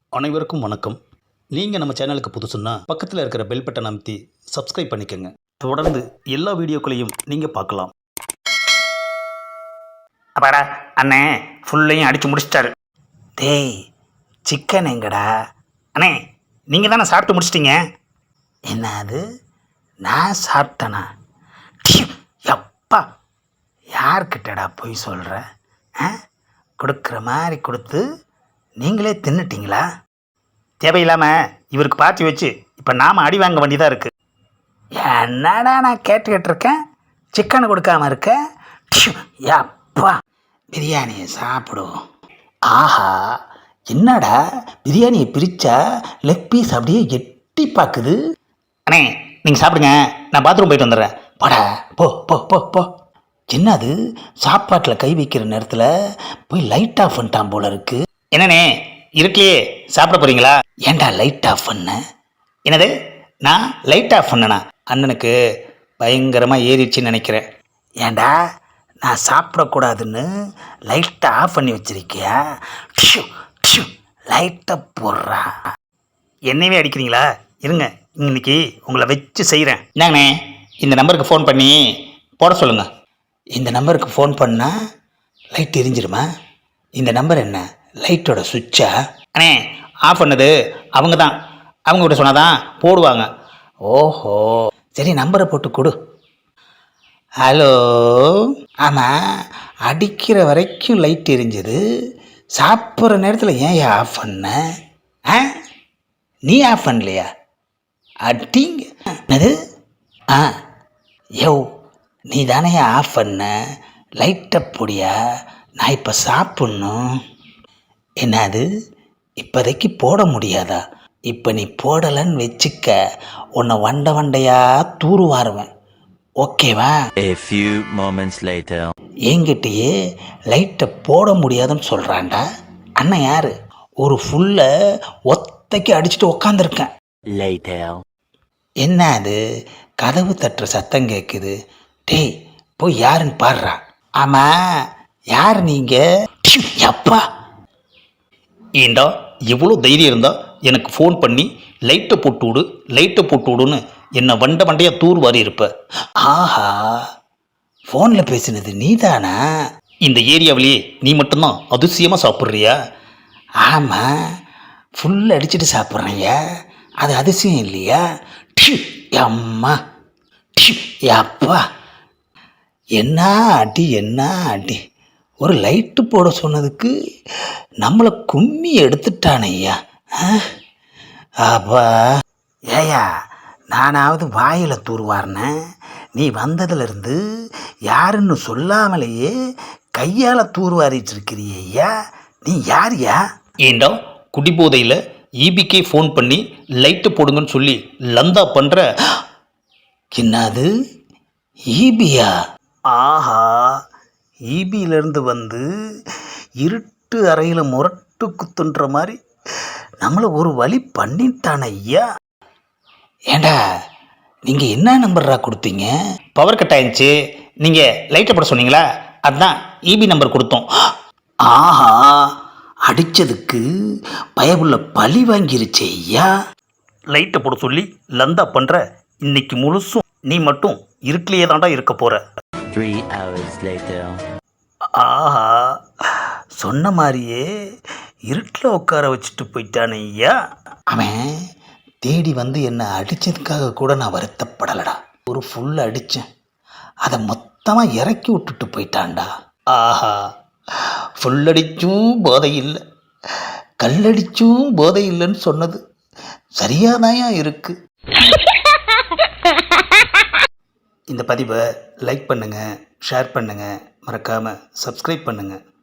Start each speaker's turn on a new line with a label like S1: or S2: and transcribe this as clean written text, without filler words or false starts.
S1: அனைவருக்கும் வணக்கம். நீங்கள் நம்ம சேனலுக்கு புதுசுன்னா பக்கத்தில் இருக்கிற பெல் பட்டன் அமைத்தி சப்ஸ்கிரைப் பண்ணிக்கோங்க. தொடர்ந்து எல்லா வீடியோக்களையும் நீங்கள் பார்க்கலாம்.
S2: அப்பாடா அண்ணே ஃபுல்லையும் அடித்து முடிச்சிட்டாரு. டேய் சிக்கன் எங்கடா? அண்ணே நீங்கள் தானே சாப்பிட்டு முடிச்சிட்டிங்க. என்ன அது நான் சாப்பிட்டேனா? எப்பா யார்கிட்டடா போய் சொல்கிற? கொடுக்குற மாதிரி கொடுத்து நீங்களே தின்னுட்டிங்களா? தேவையில்லாமல் இவருக்கு பார்த்து வச்சு இப்போ நாம் அடி வாங்க வேண்டியதாக இருக்குது. என்னடா நான் கேட்டுக்கிட்டு இருக்கேன், சிக்கனை கொடுக்காம இருக்க? அப்பா பிரியாணியை சாப்பிடுவோம். ஆஹா என்னடா பிரியாணியை பிரித்தா லெக் பீஸ் அப்படியே எட்டி பார்க்குது. அண்ணே நீங்கள் சாப்பிடுங்க, நான் பாத்ரூம் போயிட்டு வந்துடுறேன். போடா போ போ போ போ. என்னது சாப்பாட்டில் கை வைக்கிற நேரத்தில் போய் லைட் ஆஃப் பண்ணிட்டான் போல இருக்கு. என்னண்ணே இருக்கலையே சாப்பிட போகிறீங்களா? ஏன்டா லைட் ஆஃப் பண்ண? என்னது நான் லைட் ஆஃப் பண்ணனா? அண்ணனுக்கு பயங்கரமாக ஏறிடுச்சின்னு நினைக்கிறேன். ஏண்டா நான் சாப்பிடக்கூடாதுன்னு லைட்டை ஆஃப் பண்ணி வச்சிருக்கியா? லைட்டை போடுறா. என்னையே அடிக்கிறீங்களா? இருங்க இன்னைக்கு உங்களை வச்சு செய்கிறேன். என்னங்கண்ணே இந்த நம்பருக்கு ஃபோன் பண்ணி போட சொல்லுங்கள். இந்த நம்பருக்கு ஃபோன் பண்ணால் லைட் எரிஞ்சிருமா? இந்த நம்பர் என்ன லைட்டோட சுவிட்சா? அண்ணே ஆஃப் பண்ணது அவங்க தான், அவங்ககிட்ட சொன்னால் தான் போடுவாங்க. ஓஹோ சரி நம்பரை போட்டு கொடு. ஹலோ. ஆமாம் அடிக்கிற வரைக்கும் லைட் எரிஞ்சது, சாப்பிட்ற நேரத்தில் ஏன் ஆஃப் பண்ண? நீ ஆஃப் பண்ணலையா? அடிங்க அது. யோ நீ தானே ஆஃப் பண்ண, லைட்டை பொடியா? நான் இப்போ சாப்பிட்ணும். என்னது இப்போதைக்கு போட முடியாதா? இப்போ நீ போடலைன்னு வச்சுக்க, உன்னை வண்டை வண்டையாக தூருவாருவேன். ஓகேவா?
S3: A few moments later.
S1: என்கிட்டயே லைட்டை போட முடியாதுன்னு சொல்கிறான்டா. அண்ணன் யார்? ஒரு ஃபுல்லை ஒத்தைக்கு அடிச்சுட்டு உக்காந்துருக்கேன்.
S3: Later.
S1: என்ன அது கதவு தட்டுற சத்தம் கேட்குது. டேய் போய் யாருன்னு பாடுறா. ஆமாம் யார் நீங்கள்? அப்பா
S2: ஏண்டா எவ்வளோ தைரியம் இருந்தால் எனக்கு ஃபோன் பண்ணி லைட்டை போட்டு விடு லைட்டை போட்டு விடுன்னு என்னை வண்டை வண்டையாக தூர் வாரி இருப்ப.
S1: ஆஹா ஃபோனில் பேசினது நீ தானா?
S2: இந்த ஏரியாவிலேயே நீ மட்டும்தான் அதிசயமாக சாப்பிட்றியா?
S1: ஆமாம் ஃபுல் அடிச்சுட்டு சாப்பிட்றேங்க, அது அதிசயம் இல்லையா? அம்மா அப்பா என்ன அடி என்ன அடி. ஒரு லைட்டு போட சொன்னதுக்கு நம்மளை கும்மி எடுத்துட்டானையா. அப்பா ஏயா நானாவது வாயில் தூர்வாரினேன், நீ வந்ததுலேருந்து யாருன்னு சொல்லாமலேயே கையால் தூர்வாரிட்டு இருக்கிறியா. நீ யாரியா?
S2: ஏண்டா குடிபோதையில் ஈபிக்கே ஃபோன் பண்ணி லைட்டு போடுங்கன்னு சொல்லி லந்தா பண்ணுற.
S1: என்னது ஈபியா? ஆஹா ஈபியிலேருந்து வந்து இருட்டு அறையில் முரட்டு குத்துன்ற மாதிரி நம்மளை ஒரு வழி பண்ணிட்டான ஐயா. ஏண்டா நீங்கள் என்ன நம்பர்ரா கொடுத்தீங்க?
S2: பவர் கட் ஆயிடுச்சு, நீங்கள் லைட்டை போட சொன்னீங்களா, அதுதான் ஈபி நம்பர் கொடுத்தோம்.
S1: ஆஹா அடித்ததுக்கு பயவுள்ள பழி வாங்கிருச்சே ஐயா.
S2: லைட்டை போட சொல்லி லந்தா பண்ணுற. இன்னைக்கு முழுசும் நீ மட்டும் இருட்டிலேயே தாண்டா இருக்க போகிற.
S3: 3 hours later.
S1: ஆஹா சொன்ன மாதிரியே இருட்டில் உட்கார வச்சுட்டு போயிட்டானே ஐயா. அவன் தேடி வந்து என்னை அடித்ததுக்காக கூட நான் வருத்தப்படலடா. ஒரு ஃபுல் அடித்தேன், அதை மொத்தமாக இறக்கி விட்டுட்டு போயிட்டான்டா.
S2: ஆஹா ஃபுல்லடிச்சும் போதை இல்லை,
S1: கல்லடிச்சும் போதை இல்லைன்னு சொன்னது சரியாதாயா இருக்கு. இந்த பதிவை லைக் பண்ணுங்கள், ஷேர் பண்ணுங்கள், மறக்காமல் சப்ஸ்கிரைப் பண்ணுங்கள்.